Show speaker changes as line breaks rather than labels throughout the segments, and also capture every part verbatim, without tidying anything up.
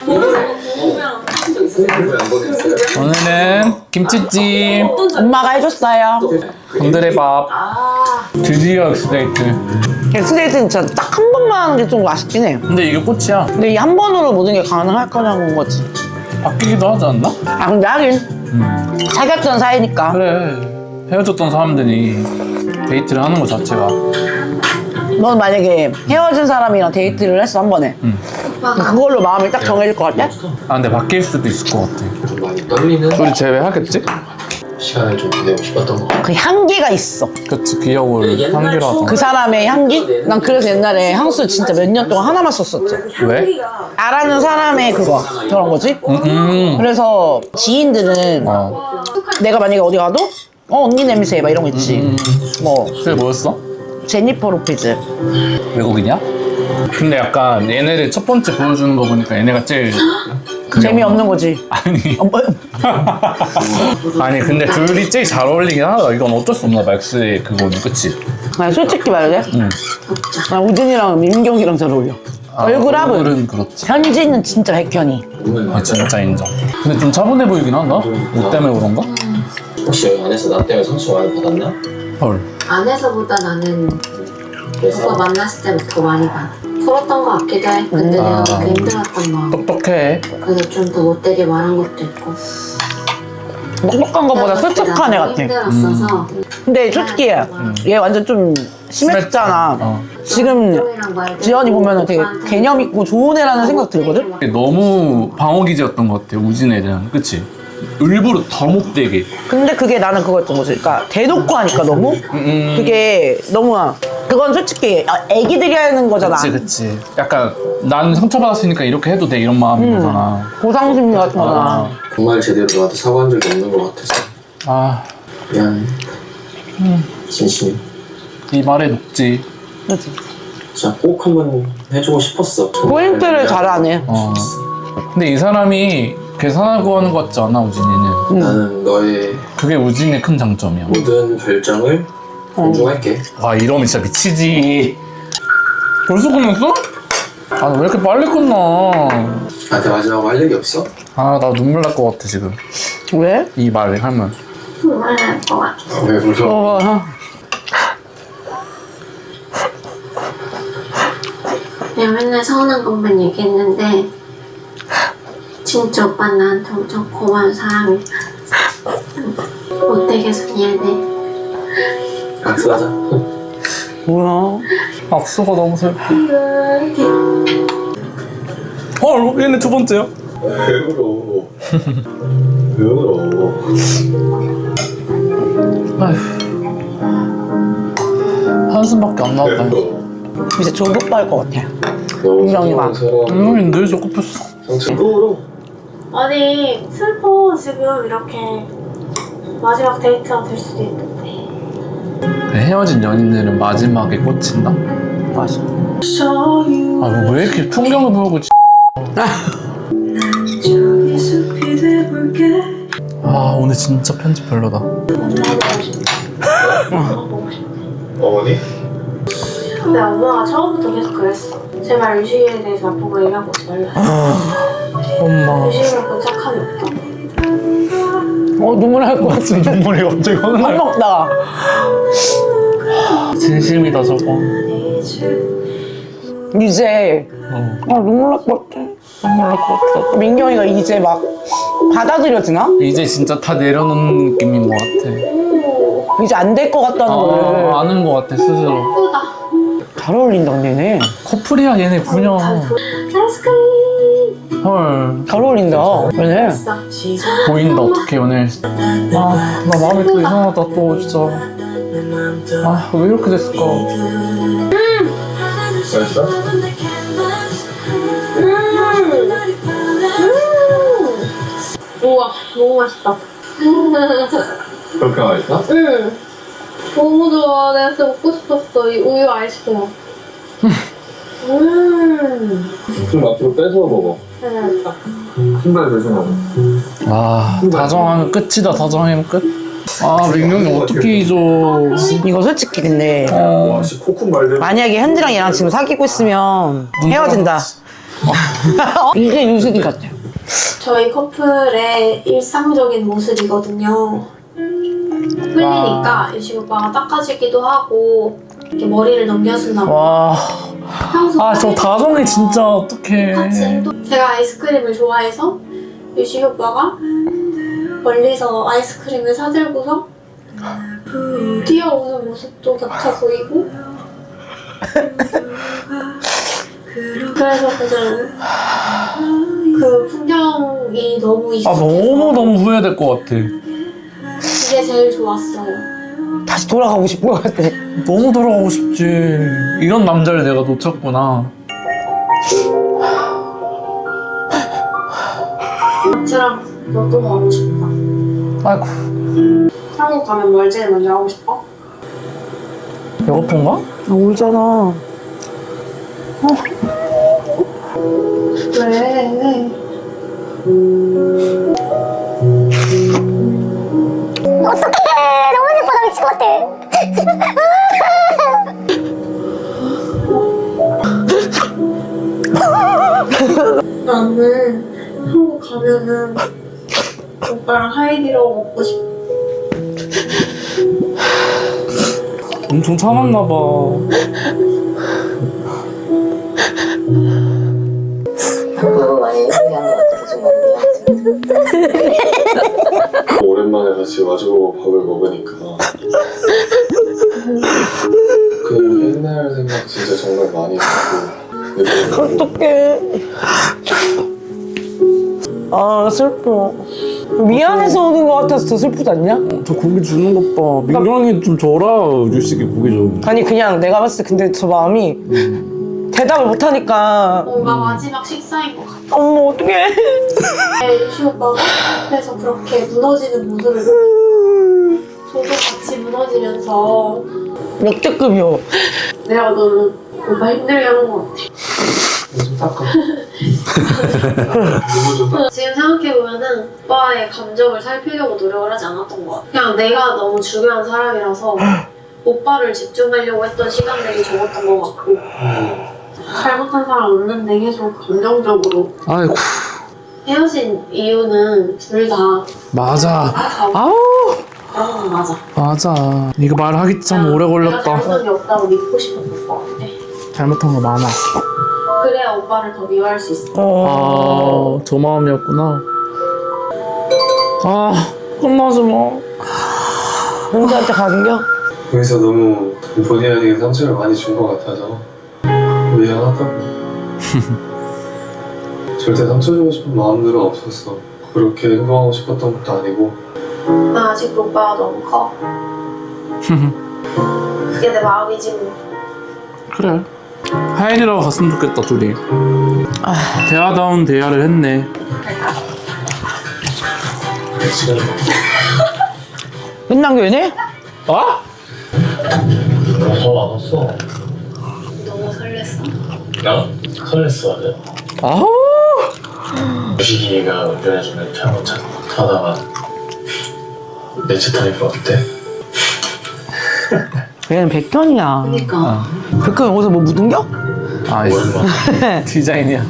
오늘은 김치찜
엄마가 해줬어요.
곤드레밥. 드디어 엑스데이트.
엑스데이트는 진짜 딱 한 번만 하는 게 좀 아쉽긴 해.
근데 이게 꽃이야.
근데 이 한 번으로 모든 게 가능할 거냐는 거지.
바뀌기도 하지 않나?
아 근데 하긴
음.
사귀었던 사이니까.
그래. 헤어졌던 사람들이 데이트를 하는 것 자체가.
넌 만약에 헤어진 사람이랑 데이트를 했어 한 번에.
음.
그걸로 마음이 딱 정해질 것 같아?
아 근데 바뀔 수도 있을 것 같아.
좀 많이 떨리는
둘이 제외하겠지?
시간을 좀 보내고 싶었던 것 같아요.
그 향기가 있어.
그치 기억을 한기라서.
그 사람의 향기? 난 그래서 옛날에 향수 진짜 몇 년 동안 하나만 썼었지.
왜?
나라는 사람의 그거 그런 거지.
음.
그래서 지인들은
어.
내가 만약에 어디 가도 어 언니 냄새 막 이런 거 있지.
음.
뭐
그게 뭐였어?
제니퍼 로페즈.
외국이냐? 근데 약간 얘네를 첫 번째 보여주는 거 보니까 얘네가 제일 그게
재미없는 거지.
아니
어, 뭐,
아니 근데 둘이 제일 잘 어울리긴 하다. 이건 어쩔 수 없나 봐. 엑스의 그거는 그치?
나 솔직히 말해.
응.
나 우진이랑 민경이랑 잘 어울려.
아,
얼굴합은
얼굴은 그렇지.
현지는 진짜 백현이.
아 진짜 인정. 근데 좀 차분해 보이긴 한다. 옷 때문에 그런가?
혹시 여기 안에서 나 때문에 상처 많이 받았나?
헐.
안에서보다 나는
그래서
오빠 만났을 때부터 더 많이 받아. 풀었던 것 같기도 해. 근데
음.
내가
아.
그렇게 힘들었던 마음.
똑똑해.
그래서 좀 더 못되게 말한 것도 있고.
똑똑한 것보다 솔직한 애 같아.
힘들었어서.
근데 솔직히 얘 완전 좀 심했잖아.
어.
지금 지연이 보면은 되게 개념 있고 좋은 애라는 생각 들거든?
너무 방어기제였던 것 같아. 우진에 대한. 그치? 일부러 더 못되게.
근데 그게 나는 그거였던 거지. 그러니까 대놓고 하니까 너무
음.
그게 너무 그건 솔직히 애기들이 하는 거잖아.
그치 그치. 약간 난 상처받았으니까 이렇게 해도 돼 이런 마음인 거잖아.
보상심리 같은 거나.
아.
정말 제대로 너한테 사과한 적이 없는 것 같아서
아.
미안해. 진심이.
이 말에 녹지.
그치.
진짜 꼭 한번 해주고 싶었어. 정말
포인트를
미안해.
잘하네.
어. 근데 이 사람이 계산하고 하는 것 같지 않아 우진이는.
나는 너의
그게 우진의 큰 장점이야.
모든 결정을 존중할게.
와 이러면 진짜 미치지. 벌써 끝났어? 아 왜 이렇게 빨리 끝나?
나한테 마지막으로 할 얘기 없어?
아 나 눈물 날 것 같아 지금.
왜?
이 말을 하면.
정말 날것 같아.
왜 울어?
어, 어.
내가 맨날 서운한 것만 얘기했는데 진짜 오빠 나한테 엄청 고마운 사람이야. 못되게 해서 미안해.
악수하자.
뭐야?
악수가 너무 슬퍼. 어 얘네 두 번째야.
왜 울어? 왜 울어?
아휴. 한숨밖에 안 나왔다.
이제 조급할 것 같아.
너무
민경이가.
눈물이 늘 조급했어.
상처 또 울어.
아니 슬퍼. 지금 이렇게 마지막 데이트가 될 수도 있는데.
헤어진 연인들은 마지막에 꽂힌다?
맞아.
아 왜 이렇게 풍경을 보고 아 오늘 진짜 편집 별로다.
어머니?
근데 엄마가 처음부터 계속 그랬어. 제발 유식이에 대해서 나쁘고 얘기하고 오지 말라.
엄마
유식이는 본 착함이 없다.
어 눈물 날 것 같아.
눈물이 갑자기
밥
확
먹다가.
진심이다 저거.
이제
어.
아 눈물 날 것 같아.
눈물 날 것 같아.
민경이가 이제 막 받아들여지나?
이제 진짜 다 내려놓는 느낌인 것 같아.
이제 안 될 것 같다는 걸
아, 아는 것 같아 스스로.
예쁘다.
잘 어울린다 근데 얘네.
커플이야 얘네 분명.
아이스크림.
헐
잘 어울린다 얘네.
있어.
보인다 어떻게 연애를. 아나 마음이 또 이상하다 또 진짜. 아 왜 이렇게 됐을까.
맛있어?
우와 너무 맛있다.
그렇게 맛있어?
응. 너무 좋아. 내가 진짜 먹고 싶었어. 이 우유 아이스크림. 음.
좀 앞으로 빼서 먹어.
괜찮다.
신발 조심하고.
아 다정하면 끝이다. 다정하면 끝. 아 민경이 어떻게 잊어.
이거 솔직히 근데
어.
와, 씨, 코쿤 말대로.
만약에 현지랑 얘랑 지금 사귀고 있으면 헤어진다. 이게 유식이 같아.
저희 커플의 일상적인 모습이거든요. 흘리니까 유식 오빠가 닦아주기도 하고 이렇게 머리를 넘겨준다고.
와.
평소
아, 저 다정이 진짜 어떡해.
같이 행동. 제가 아이스크림을 좋아해서 유식 오빠가 멀리서 아이스크림을 사들고서 뛰어오는 모습도 겹쳐 보이고. 그래서 그냥 그 풍경이 너무
아,
익숙해서
너무너무 후회될 것 같아.
그게 제일 좋았어요.
다시 돌아가고 싶은 것 같아.
너무 돌아가고 싶지. 이런 남자를 내가 놓쳤구나.
마트랑 너또 가고 싶다.
아이고.
한국 가면 뭘 제일 먼저 하고 싶어?
배고픈가?
아, 울잖아.
왜?
너무 슬퍼. 나 미칠 것 같아.
나는 한국 가면은 오빠랑 하이디라고 먹고 싶어.
엄청 참았나봐.
너무 많이 얘기하는 것 같아서 좀 미안해.
오랜만에 같이 마주보고 밥을 먹으니까 그 옛날 생각 진짜 정말 많이 나고.
어떡해. 아, 슬퍼. 미안해서 오는 것 같아서 더 슬프지 않냐?
저 고기 주는 것 봐. 민경이 좀 줘라. 유식이 고기 좀.
아니, 그냥 내가 봤을 때 근데 저 마음이 대답을 못하니까.
뭔가 마지막 식사인 것 같아.
어머, 어떡해.
유시 오빠가 앞에서 그렇게 무너지는 모습을 보고 저도 같이 무너지면서
역대급이요.
내가 너는 오빠 힘들게 하는 것 같아.
좀 닦아. 너무 좀 닦아.
지금 생각해보면은 오빠의 감정을 살피려고 노력을 하지 않았던 것 같아. 그냥 내가 너무 중요한 사람이라서 오빠를 집중하려고 했던 시간들이 적었던 것 같고
잘못한 사람 없는데 계속 감정적으로
아이고.
헤어진 이유는 둘 다
맞아.
다
아우.
그런 건 맞아.
맞아. 이거 말하기 참 오래
내가
걸렸다.
잘못한 게 없다고 믿고 싶었던 것 같아.
잘못한 거 많아.
그래야 오빠를 더 미워할 수 있어.
어.
아, 저 마음이었구나. 아, 끝나지 마.
혼자한테 가긴겨?
거기서 너무 본의 아니게 상처를 많이 준 것 같아서 미안하다고. 절대 상처 주고 싶은 마음들은 없었어. 그렇게 행동하고 싶었던 것도 아니고.
나 아직도 오빠가 너무 커. 그게 내 마음이지 뭐.
그래. 하인이라고 갔으면 좋겠다, 둘이. 아, 대화다운 대화를 했네.
지금
끝난 게 왜네?
어?
더 많았어.
너무 설렜어.
야? 설렜어, 아주.
아,
유식이가 운전해주면 차로 차 타다가 내 차 타니까 어때?
얘는 백현이야.
그니까.
백현 옷에 뭐 묻은겨?
아이씨.
오랜만에.
디자인이야.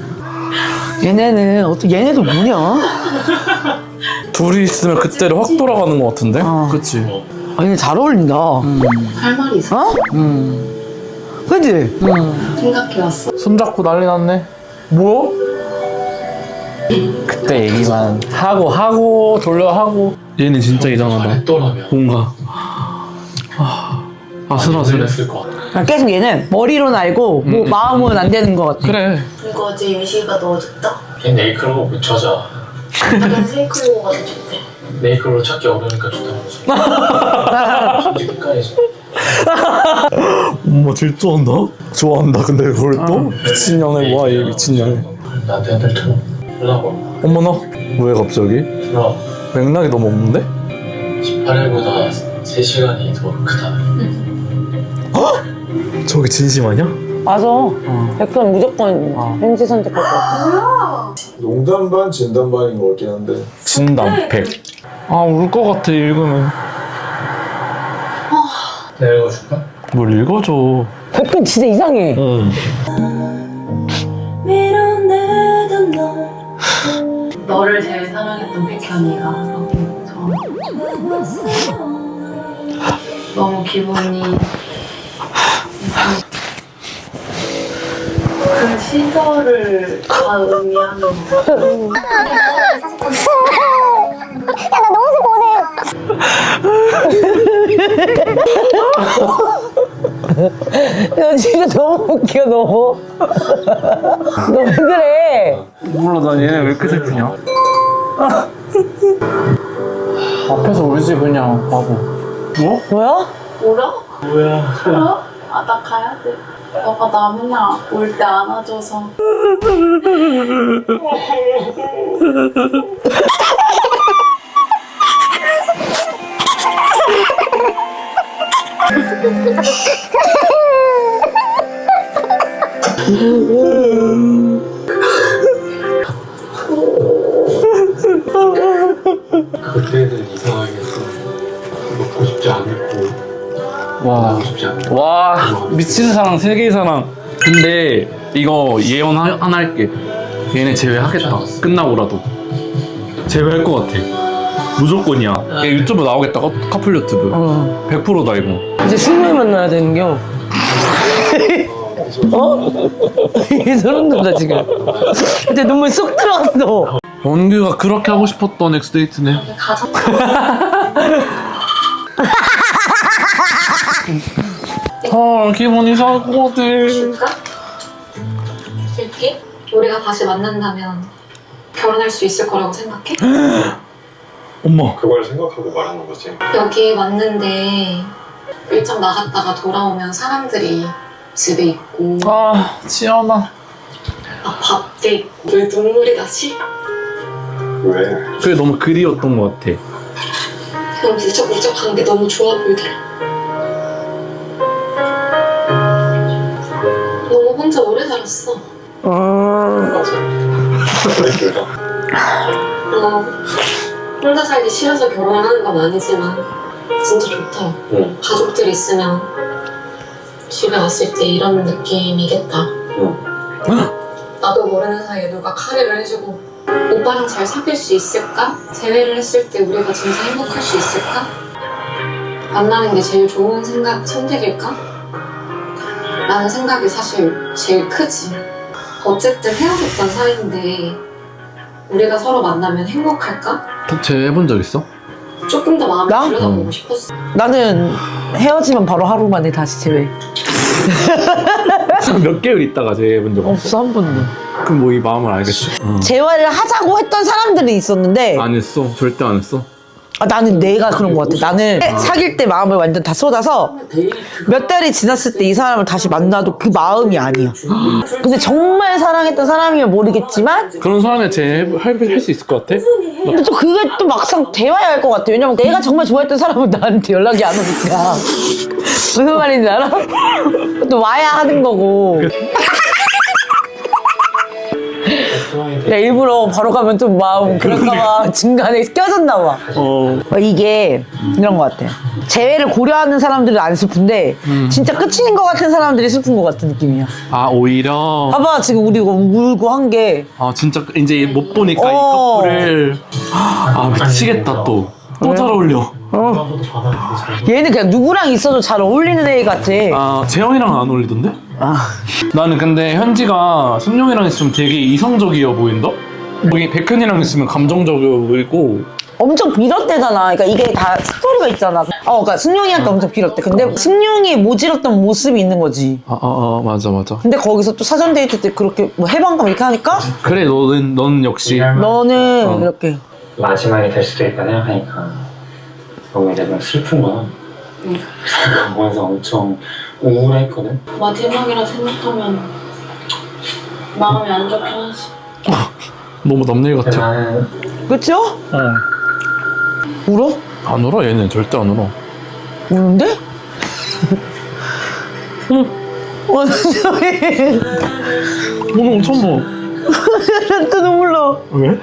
얘네는 어떻게 얘네도 뭐냐?
둘이 있으면 그때를 확 돌아가는 것 같은데?
어.
그치?
아, 얘네 잘 어울린다.
할 말이 있어.
어?
음.
그치?
음.
생각해왔어.
손잡고 난리 났네. 뭐? 그때 얘기만 하고 하고 돌려 하고. 얘는 진짜 이상하다.
했더라면
뭔가 아, 아슬아슬해.
했을 것 같아.
아, 계속 얘는 머리로는 알고 뭐
음.
마음은 안 되는 것 같아.
그래.
이거 어제 유시가 넣어줬다.
걔 네이클로 못 찾아.
나는 세이클로가 더 좋대.
네이클로 찾기 어려우니까 좋다는 거지. 솔직히 끝까지.
엄마 질투한다? 좋아한다. 근데 그걸 또? 미친년을 와, 얘 미친년을.
나한테 한달 쳐. 하려고.
어머나. 왜 갑자기?
그럼
맥락이 너무 없는데?
십팔 일보다 세 시간이 더 크다.
저게 진심 아니야?
맞아. 백현 무조건
어.
현지 선택할 것 같아.
농담 반 진담 반인 것 같긴 한데.
진담 백. 아, 울 것 같아, 읽으면.
내가 읽어줄까?
뭘 읽어줘.
백현 진짜 이상해.
응.
미련
너를 제일 사랑했던 백현이가 너무 기분이 그 시절을 다 의미하는 거.
야, 나 너무 슬퍼, 오늘.
야, 진짜 너무 웃겨, 너. 너 왜 그래?
몰라, 난 얘네 왜 이렇게 슬프냐? 앞에서 울지 그냥 바보. 뭐?
뭐야?
울어? 뭐야? 울어? 아, 나 가야 돼. 너가 나 맨날 올 때 안아줘서.
그때는 이상하게 먹고 싶지 않고
와,
하고 싶지 않고
와, 미친 사랑, 세계의 사랑. 근데 이거 예언 하- 하나 할게. 얘네 제외하겠다. 끝나고라도. 제외할 것 같아. 무조건이야. 얘 유튜브 나오겠다. 커- 커플 유튜브.
어.
백 퍼센트다 이거.
이제 승용이 만나야 되는겨. 어? 이게 소름 돋아, 지금. 근데 눈물 쏙 들어갔어.
원규가 그렇게 하고 싶었던 엑스데이트네.
가장
아, 기분 이상할 것 같아.
줄까? 줄게? 우리가 다시 만난다면 결혼할 수 있을 거라고 생각해?
엄마.
그걸 생각하고 말하는 거지.
여기 왔는데 일정 나갔다가 돌아오면 사람들이 집에 있고
아, 지연아.
막 밥돼 있고 왜 눈물이 나지?
왜?
그게 너무 그리웠던 것 같아.
그냥 무적무적한 게 너무 좋아 보이더라. 너무 혼자 오래 살았어.
아,
맞아. 그래.
어, 혼자 살기 싫어서 결혼하는 건 아니지만 진짜 좋다.
응.
가족들이 있으면 집에 왔을 때 이런 느낌이겠다.
응.
나도 모르는 사이에 누가 카레를 해주고 오빠랑 잘 사귈 수 있을까? 재회를 했을 때 우리가 진짜 행복할 수 있을까? 만나는 게 제일 좋은 생각, 선택일까? 라는 생각이 사실 제일 크지. 어쨌든 헤어졌던 사이인데 우리가 서로 만나면 행복할까?
제해본 적 있어?
조금 더 마음을
나?
들여다보고
음.
싶었어.
나는 헤어지면 바로 하루 만에 다시 제외.
몇 개월 있다가 제해본 적 없어?
없어, 한 번도.
그럼 뭐 이 마음을 알겠어. 응.
재활을 하자고 했던 사람들이 있었는데
안 했어. 절대 안 했어.
아, 나는 내가 그런 것 같아. 나는 사귈 때 마음을 완전 다 쏟아서 몇 달이 지났을 때 이 사람을 다시 만나도 그 마음이 아니야. 근데 정말 사랑했던 사람이면 모르겠지만
그런 사람에 제할 수 있을 것 같아?
근데 또 그게 또 막상 대화해야 할 것 같아. 왜냐면 내가 정말 좋아했던 사람은 나한테 연락이 안 오니까. 무슨 말인지 알아? 또 와야 하는 거고. 야, 일부러 바로 가면 좀 마음 그럴까봐 중간에 껴졌나 봐.
어.
이게 이런 것 같아. 재회를 고려하는 사람들은 안 슬픈데
음.
진짜 끝인 것 같은 사람들이 슬픈 것 같은 느낌이야.
아, 오히려.
봐봐, 지금 우리 이거 울고 한 게.
아, 진짜 이제 못 보니까 이
어.
커플을. 아, 미치겠다, 또. 또 잘 어울려.
어. 얘는 그냥 누구랑 있어도 잘 어울리는 애 같아.
아, 재영이랑 안 어울리던데?
아.
나는 근데 현지가 승용이랑 있으면 되게 이성적이어 보인다? 여기 백현이랑 있으면 감정적이어 보이고.
엄청 빌었대잖아. 그러니까 이게 다 스토리가 있잖아. 어, 그러니까 승용이한테 엄청 빌었대. 근데 승용이 모질었던 모습이 있는 거지.
아, 아, 아, 맞아, 맞아.
근데 거기서 또 사전 데이트 때 그렇게 뭐 해방감 이렇게 하니까
그래, 너는, 넌 역시.
너는
어.
이렇게.
마지막이 될 수도 있다 생각하니까 너무 이제 좀 슬픈 거야.
응.
그래서 엄청 우울했거든.
마지막이라 생각하면 마음이 안 좋긴 하지.
너무 남일
근데
같아.
나는
그쵸?
응.
울어?
안 울어, 얘는. 절대 안 울어.
우는데? 응. 완전히.
오늘 엄청 뭐.
또 눈물 나.
왜?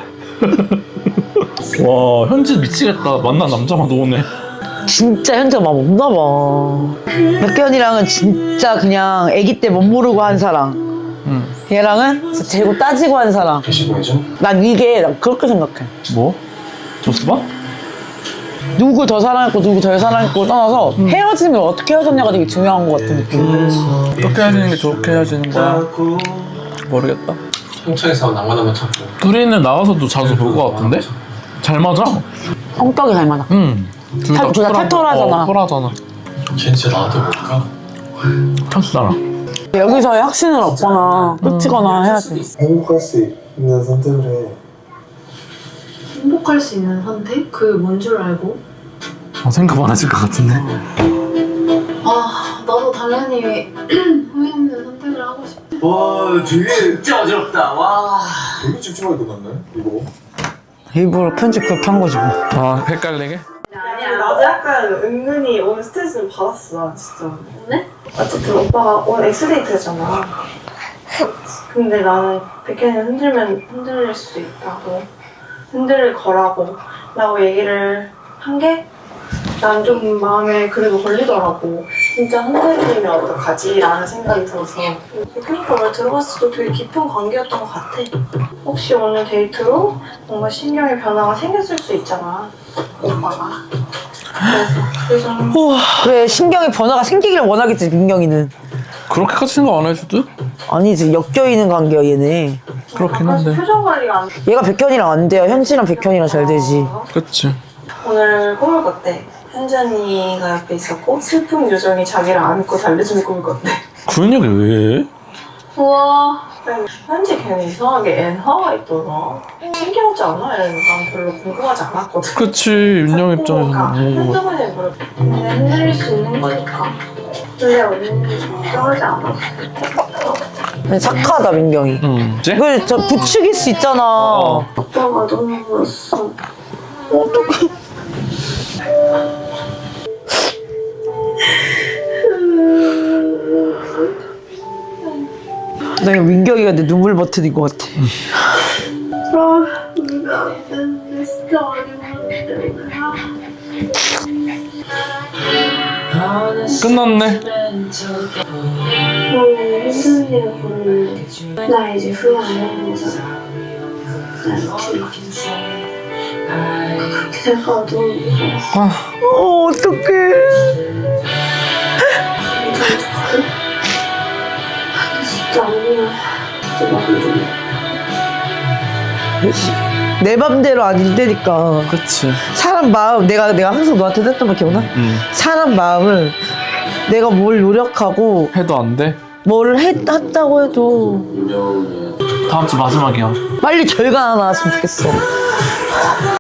와, 현지 미치겠다. 만난 남자만 오네.
진짜 현재가 막 없나 봐. 백현이랑은 진짜 그냥 아기 때 못 모르고 한 사랑.
응.
얘랑은 진짜 재고 따지고 한 사람.
게시물이죠?
난 이게 난 그렇게 생각해.
뭐? 조스바?
누구 더 사랑했고 누구 덜 사랑했고 떠나서 헤어지면 어떻게 헤어졌냐가 되게 중요한 것 같은 느낌.
어떻게 헤어지는 게 좋게 헤어지는 거야? 모르겠다.
형창에서 낭만하면 찾고.
둘이는 나와서도 자주 볼 것 같은데? 잘 맞아.
성격이 잘 맞아.
응.
탈- 둘다 털털하잖아.
어, 털하잖아.
걔 진짜 나한테 뭘까?
털스잖아.
여기서의 확신을 얻거나 끝이거나 해야지.
행복할 수 있는 선택을 해.
행복할 수 있는 선택? 그게 뭔 줄 알고?
어, 생각 많아질 것 같은데?
아, 나도 당연히 후회 없는 선택을 하고 싶어.
와 되게 진짜 어지럽다. 와. 되게 찝찝하게 끝났네 이거.
일부러 편집 그렇게 한 거지 뭐.
아, 헷갈리게?
아니야, 나도 약간 은근히 오늘 스트레스를 받았어, 나 진짜. 오늘? 어쨌든 오빠가 오늘 엑스데이트잖아. 근데 나는 백현이 흔들면 흔들릴 수도 있다고. 흔들릴 거라고. 라고 얘기를 한 게 난 좀 마음에 그래도 걸리더라고. 진짜 흔들리면 어떡하지? 라는 생각이 들어서. 백현이가 오늘 들어봤을 때 되게 깊은 관계였던 것 같아. 혹시 오늘 데이트로 뭔가 신경의 변화가 생겼을 수 있잖아. 오빠가. 그래서 그래서
그래 신경의 변화가 생기길 원하겠지 민경이는.
그렇게까지 생각 안 해줄 듯?
아니지 엮여있는 관계야 얘네.
그렇긴
아까
한데.
표정 관리가 안 돼.
얘가 백현이랑 안 돼요. 현지랑 백현이랑 잘 되지.
그치.
오늘 꿈을 꿨대. 현전이가 옆에 있었고 슬픈 요정이 자기를 안고 달래주는 꿈을 꿨대.
그런 얘기 왜 해?
우와. 현지 걔는 이상하게 엔화가 있더라. 신기하지 않아? 얘는 난 별로 궁금하지 않았거든.
그치, 윤영 입장에서는 뭐.
현정이는 그래. 근데 흔들릴 수 있는 거니까. 근데 언니는 걱정하지 않아.
근데 착하다 민경이.
응. 이제?
이걸 저 부추길 수 있잖아.
어.
오빠가 너무 울었어.
내가 민경이가 내 눈물 버튼인 것 같아.
아, 우리가 안 됐는데 진짜 많이 울었는데.
끝났네.
오늘 현전이를 보는 나 이제 후회 안 하는 거잖아. 난 그렇게 그렇게 생각하면 너무 무서워.
아,
어 어떡해.
진짜 아니야. 진짜 마음이 너무
내 맘대로 아닌데니까.
그치.
사람 마음 내가 내가 항상 너한테 했던 말 기억나?
응.
사람 마음을 내가 뭘 노력하고
해도 안 돼?
뭘 했, 했다고 해도
다음 주 마지막이야.
빨리 결과 하나 나왔으면 좋겠어.